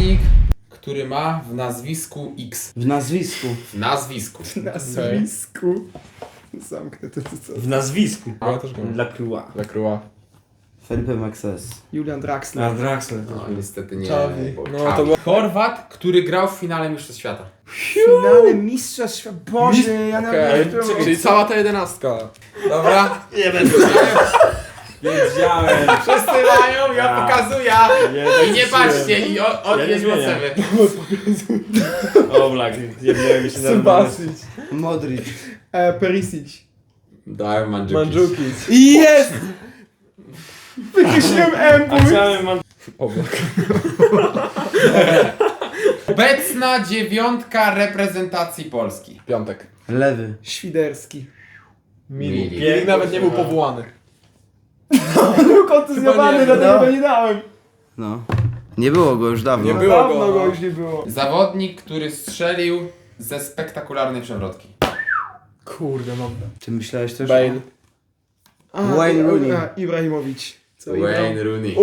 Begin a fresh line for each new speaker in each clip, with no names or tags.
zawodnik, który ma w nazwisku X.
W nazwisku.
W nazwisku.
Nazwisku. Zamknę to co.
W nazwisku.
Ja też go mam.
Dla Krua.
Dla Krua.
Felipe Maxes.
Julian Draxler.
Na Draxler.
No niestety nie.
Czawi.
bo
No,
Czawi.
to było-
Chorwat, który grał w finale Mistrzostw Świata.
Finale Mistrzostw Świata. Boże, ja nawet
Okej,
nie wiem,
czyli cała ta 11.
Dobra?
Nie będę. Wiedziałem.
Wszyscy mają, ja pokazuję. I nie patrzcie, i odnieś
Ja
od
nie
siebie.
O, Blak. Nie się
Subasic.
Modric.
Perisic.
Dałem Mandzukic.
Mandzukic.
Jest! Wykreśliłem M,
A chciałem
Oblak.
Obecna dziewiątka reprezentacji Polski.
Piątek.
Lewy.
Świderski.
Milik.
Milik nawet nie był powołany.
Był kontuzjowany,
Chyba nie,
dlatego
no.
go nie dałem.
No. Nie było go już dawno.
Nie było
Dawno
go,
go
no.
już nie było.
Zawodnik, który strzelił ze spektakularnej przewrotki.
Kurde, mam.
Ty myślałeś też?
Bale.
Wayne Rooney.
Ibrahimowicz. Co
Wayne Rooney.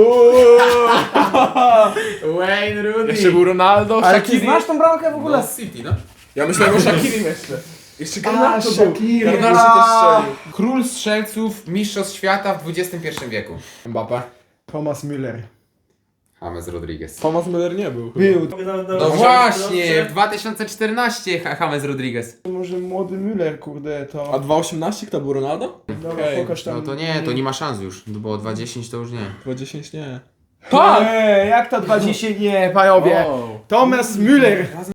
Wayne Rooney.
Jeszcze był Ronaldo,
Ale ty
Shaqiri.
znasz tą bramkę w ogóle?
No, City, no.
Ja myślałem o Shakirim jeszcze. Jeszcze Garnacho był.
Shaqiri.
Garnacho też strzelił.
Król strzelców Mistrzostw Świata w XXI wieku.
Mbappé.
Thomas Müller.
James Rodriguez.
Thomas Müller nie był.
Był.
No właśnie, w 2014 James Rodriguez.
Może młody Müller, kurde,
A
to...
2,18 to był Ronaldo?
Dobra,
Okej.
pokaż tam.
No to nie, to nie ma szans już, bo 2,10 to już nie.
2,10 nie.
Tak! Jak to 20 nie, panowie?
Wow.
Thomas Müller.